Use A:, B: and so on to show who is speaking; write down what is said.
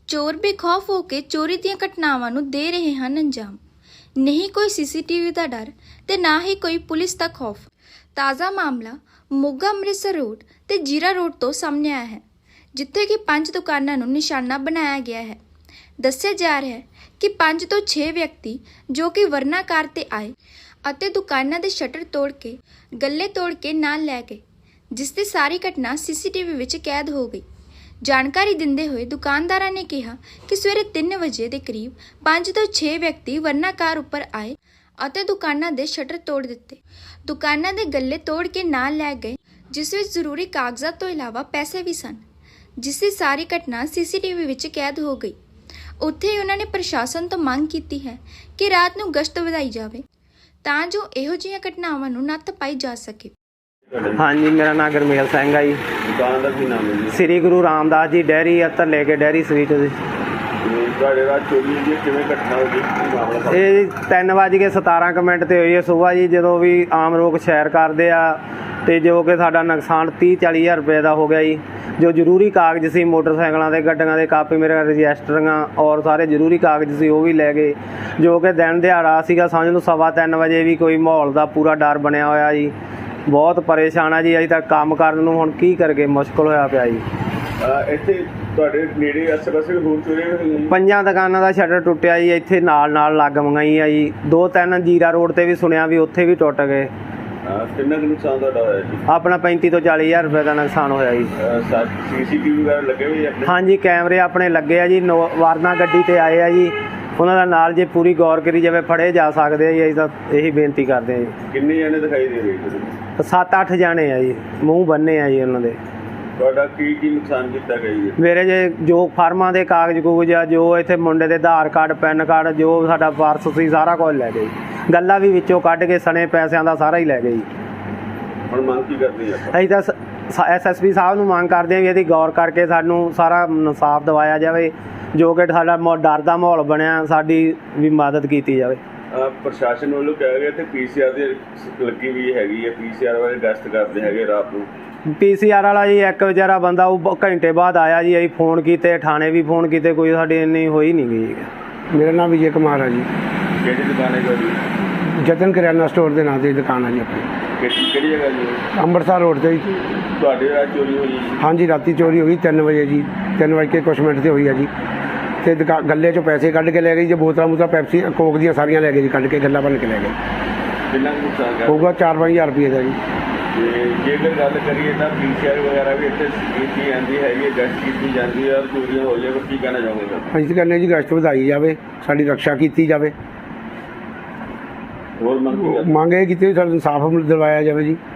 A: ਚੋਰ ਬੇਖੌਫ ਹੋ ਕੇ ਚੋਰੀ ਦੀਆਂ ਘਟਨਾਵਾਂ ਨੂੰ ਦੇ ਰਹੇ ਹਨ ਅੰਜਾਮ। ਨਹੀਂ ਕੋਈ ਸੀਸੀਟੀਵੀ ਦਾ ਡਰ ਤੇ ਨਾ ਹੀ ਕੋਈ ਪੁਲਿਸ ਦਾ ਖੌਫ। ਤਾਜ਼ਾ ਮਾਮਲਾ ਮੋਗਾ ਅੰਮ੍ਰਿਤਸਰ ਰੋਡ ਤੇ ਜੀਰਾ ਰੋਡ ਤੋਂ ਸਾਹਮਣੇ ਆਇਆ ਹੈ, ਜਿੱਥੇ ਕਿ 5 ਦੁਕਾਨਾਂ ਨੂੰ ਨਿਸ਼ਾਨਾ ਬਣਾਇਆ ਗਿਆ ਹੈ। ਦੱਸਿਆ ਜਾ ਰਿਹਾ ਹੈ ਕਿ 5 ਤੋਂ 6 ਵਿਅਕਤੀ ਜੋ ਕਿ ਵਰਨਾਕਾਰ ਤੇ ਆਏ ਅਤੇ ਦੁਕਾਨਾਂ ਦੇ ਸ਼ਟਰ ਤੋੜ ਕੇ ਗੱਲੇ ਤੋੜ ਕੇ ਨਾਲ ਲੈ ਗਏ, ਜਿਸ ਦੀ ਸਾਰੀ ਘਟਨਾ ਸੀਸੀਟੀਵੀ ਵਿੱਚ ਕੈਦ ਹੋ ਗਈ। ਜਾਣਕਾਰੀ ਦਿੰਦੇ ਹੋਏ ਦੁਕਾਨਦਾਰਾਂ ਨੇ ਕਿਹਾ ਕਿ ਸਵੇਰੇ 3 ਵਜੇ ਦੇ ਕਰੀਬ 5 ਤੋਂ 6 ਵਿਅਕਤੀ ਵਰਨਾਕਾਰ ਉੱਪਰ ਆਏ ਅਤੇ ਦੁਕਾਨਾਂ ਦੇ ਸ਼ਟਰ ਤੋੜ ਦਿੱਤੇ। ਦੁਕਾਨਾਂ ਦੇ ਗੱਲੇ ਤੋੜ ਕੇ ਨਾਲ ਲੈ ਗਏ, ਜਿਸ ਵਿੱਚ ਜ਼ਰੂਰੀ ਕਾਗਜ਼ਾਤ ਤੋਂ ਇਲਾਵਾ ਪੈਸੇ ਵੀ ਸਨ, ਜਿਸ ਦੀ ਸਾਰੀ ਘਟਨਾ ਸੀਸੀਟੀਵੀ ਵਿੱਚ ਕੈਦ ਹੋ ਗਈ। ਉੱਥੇ ਹੀ ਉਹਨਾਂ ਨੇ ਪ੍ਰਸ਼ਾਸਨ ਤੋਂ ਮੰਗ ਕੀਤੀ ਹੈ ਕਿ ਰਾਤ ਨੂੰ ਗਸ਼ਤ ਵਧਾਈ ਜਾਵੇ ਤਾਂ ਜੋ ਇਹੋ ਜਿਹੀਆਂ ਘਟਨਾਵਾਂ ਨੂੰ ਨੱਥ ਪਾਈ ਜਾ ਸਕੇ।
B: हाँ जी, मेरा नाम गुरमेल सिंह है जी।
C: दुकान का की नाम है जी?
B: श्री गुरु रामदास जी डेयरी अत्तर लेके डेयरी स्वीट जी।
C: चोरी हुई किवें घटना होगी मामला?
B: ये 3:17 ਤੇ ਹੋਈ ਹੈ ਸੁਬਾਹ ਜੀ, ਜਦੋਂ ਵੀ ਆਮ ਲੋਕ ਸੈਰ ਕਰਦੇ ਆ ਤੇ ਜੋ ਕਿ ਸਾਡਾ ਨੁਕਸਾਨ 30-40 ਹਜ਼ਾਰ ਰੁਪਏ ਦਾ ਹੋ ਗਿਆ ਜੀ। ਜੋ ਜ਼ਰੂਰੀ ਕਾਗਜ਼ ਸੀ ਮੋਟਰਸਾਈਕਲਾਂ ਦੇ, ਗੱਡੀਆਂ ਦੇ ਕਾਪੀ, ਮੇਰੇ ਰਜਿਸਟਰੀਆਂ ਔਰ ਸਾਰੇ ਜ਼ਰੂਰੀ ਕਾਗਜ਼ ਸੀ ਉਹ ਵੀ ਲੈ ਗਏ। ਜੋ ਕਿ ਦਿਨ ਦਿਹਾੜਾ ਸੀਗਾ, ਸਮਝ ਲਓ 3:15 ਵਜੇ ਵੀ ਕੋਈ ਮਾਹੌਲ ਦਾ ਪੂਰਾ ਡਰ ਬਣਿਆ ਹੋਇਆ ਜੀ। ਬਹੁਤ ਪਰੇਸ਼ਾਨ ਆ ਜੀ, ਅਜੇ ਤੱਕ ਕੰਮ ਕਰਨ ਨੂੰ ਹੁਣ ਕੀ ਕਰਗੇ, ਮੁਸ਼ਕਲ ਹੋਇਆ ਪਿਆ ਜੀ।
C: ਇੱਥੇ ਤੁਹਾਡੇ ਨੇੜੇ ਆਸੇ-ਪਾਸੇ ਹੋਰ ਚੋਰੀਆਂ ਹੋਈਆਂ?
B: 5 ਦੁਕਾਨਾਂ ਦਾ ਸ਼ਟਰ ਟੁੱਟਿਆ ਜੀ, ਇੱਥੇ ਨਾਲ ਲੱਗ ਮੰਗਾਈ ਆ ਜੀ। 2-3 ਜੀਰਾ ਰੋਡ ਤੇ ਵੀ ਸੁਣਿਆ ਵੀ ਉੱਥੇ ਵੀ ਟੁੱਟ ਗਏ।
C: ਕਿੰਨਾ ਕੁ ਨੁਕਸਾਨ ਤੁਹਾਡਾ ਹੋਇਆ ਜੀ?
B: ਆਪਣਾ 35 ਤੋਂ 40 ਹਜ਼ਾਰ ਰੁਪਏ ਦਾ ਨੁਕਸਾਨ ਹੋਇਆ ਜੀ।
C: ਸੀਸੀਟੀਵੀ ਵਗੈਰਾ ਲੱਗੇ ਹੋਏ ਆਪਣੇ?
B: ਹਾਂਜੀ, ਕੈਮਰੇ ਆਪਣੇ ਲੱਗੇ ਆ ਜੀ। ਵਾਰਨਾ ਗੱਡੀ ਤੇ ਆਏ ਆ ਜੀ, ਉਹਨਾਂ ਦਾ ਨਾਲ ਜੇ ਪੂਰੀ ਗੌਰ ਕਰੀ ਜਾਵੇ ਫੜੇ ਜਾ ਸਕਦੇ ਆ ਜੀ। ਅਸੀਂ ਤਾਂ ਇਹੀ ਬੇਨਤੀ ਕਰਦੇ ਆ ਜੀ।
C: ਕਿੰਨੇ ਜਣੇ ਦਿਖਾਈ ਦੇ ਰਹੇ ਜੀ?
B: 7-8 ਜਾਣੇ ਆ ਜੀ, ਮੂੰਹ ਬੰਨੇ ਆ ਜੀ ਉਹਨਾਂ ਦੇ।
C: ਤੁਹਾਡਾ ਕੀ ਨੁਕਸਾਨ ਕੀਤਾ ਗਿਆ ਜੀ?
B: ਮੇਰੇ ਜੇ ਜੋ ਫਾਰਮਾਂ ਦੇ ਕਾਗਜ਼ ਕੂਗਜ਼ ਆ, ਜੋ ਇੱਥੇ ਮੁੰਡੇ ਦੇ ਆਧਾਰ ਕਾਰਡ, ਪੈਨ ਕਾਰਡ, ਜੋ ਸਾਡਾ ਪਰਸ ਸੀ ਸਾਰਾ ਕੁਝ ਲੈ ਗਏ। ਗੱਲਾਂ ਵੀ ਵਿੱਚੋਂ ਕੱਢ ਕੇ ਸਣੇ ਪੈਸਿਆਂ ਦਾ ਸਾਰਾ ਹੀ ਲੈ ਗਏ ਜੀ।
C: ਹੁਣ ਮੰਗ ਕੀ ਕਰਦੇ ਆ?
B: ਅਸੀਂ ਤਾਂ SSP ਸਾਹਿਬ ਨੂੰ ਮੰਗ ਕਰਦੇ ਹਾਂ ਵੀ ਇਹਦੀ ਗੌਰ ਕਰਕੇ ਸਾਨੂੰ ਸਾਰਾ ਇਨਸਾਫ ਦਿਵਾਇਆ ਜਾਵੇ। ਜੋ ਕਿ ਸਾਡਾ ਡਰ ਦਾ ਮਾਹੌਲ ਬਣਿਆ, ਸਾਡੀ ਵੀ ਮਦਦ ਕੀਤੀ ਜਾਵੇ।
C: ਪ੍ਰਸ਼ਾਸਨ ਵੱਲੋਂ ਕਿਹਾ ਗਿਆ ਤੇ PCR ਦੀ ਲੱਗੀ ਵੀ ਹੈਗੀ ਹੈ, PCR ਵਾਲੇ ਗਸ਼ਤ ਕਰਦੇ ਹੈਗੇ ਰਾਤ ਨੂੰ।
B: PCR ਵਾਲਾ ਜੀ ਇੱਕ ਵਿਚਾਰਾ ਬੰਦਾ ਉਹ ਘੰਟੇ ਬਾਅਦ ਆਇਆ ਜੀ। ਅਸੀਂ ਫੋਨ ਕੀਤੇ, ਥਾਣੇ ਵੀ ਫੋਨ ਕੀਤੇ, ਕੋਈ ਸਾਡੀ ਇੰਨੀ ਹੋਈ ਨਹੀਂ ਗਈ।
D: ਮੇਰਾ ਨਾਮ ਵਿਜੇ ਕੁਮਾਰ ਹੈ ਜੀ।
C: ਕਿਹੜੀ ਦੁਕਾਨ ਹੈ ਤੁਹਾਡੀ?
D: ਜਤਨ ਕਰਿਆਨਾ ਸਟੋਰ ਦੇ ਨਾਂ 'ਤੇ ਦੁਕਾਨ ਹੈ ਜੀ ਆਪਣੀ।
C: ਕਿਹੜੀ ਜਗ੍ਹਾ ਜੀ?
D: ਅੰਮ੍ਰਿਤਸਰ ਰੋਡ 'ਤੇ ਜੀ।
C: ਤੁਹਾਡੇ ਰਾਤ ਚੋਰੀ ਹੋਈ ਜੀ?
D: ਹਾਂਜੀ, ਰਾਤੀ ਚੋਰੀ ਹੋਈ 3 ਵਜੇ ਜੀ। 3 ਵਜੇ ਕੁਛ ਮਿੰਟ 'ਤੇ ਹੋਈ ਹੈ ਜੀ। ਤੇ ਗੱਲੇ 'ਚੋਂ ਪੈਸੇ ਕੱਢ ਕੇ ਲੈ ਗਏ ਜੀ। ਬੋਤਲਾਂ ਪੈਪਸੀ ਕੋਕ ਦੀਆਂ ਸਾਰੀਆਂ ਲੈ ਗਏ ਜੀ, ਕੱਢ ਕੇ ਗੱਲਾਂ ਭੰਨ ਕੇ ਲੈ ਗਏ।
C: ਕਿੰਨਾ ਨੁਕਸਾਨ
D: ਹੋਊਗਾ 4-5 ਹਜ਼ਾਰ ਰੁਪਏ ਦਾ ਜੀ।
C: ਤੇ ਜੇਕਰ ਗੱਲ ਕਰੀਏ ਤਾਂ PCR ਵਗੈਰਾ ਵੀ ਇੱਥੇ ਕੀਤੀ ਜਾਂਦੀ ਹੈਗੀ, ਗਸ਼ਤ ਕੀਤੀ ਜਾਂਦੀ ਹੈ ਔਰ ਚੋਰੀਆਂ ਹੋ ਜਾਵੇ, ਕੀ ਕਹਿਣਾ ਚਾਹੋਗੇ?
D: ਅਸੀਂ ਤਾਂ ਕਹਿੰਦੇ ਜੀ ਗਸ਼ਤ ਵਧਾਈ ਜਾਵੇ, ਸਾਡੀ ਰੱਖਿਆ ਕੀਤੀ ਜਾਵੇ।
C: ਹੋਰ ਮੰਗ
D: ਮੰਗ ਇਹ ਕੀਤੀ ਸਾਡਾ ਇਨਸਾਫ ਦਿਲਵਾਇਆ ਜਾਵੇ ਜੀ।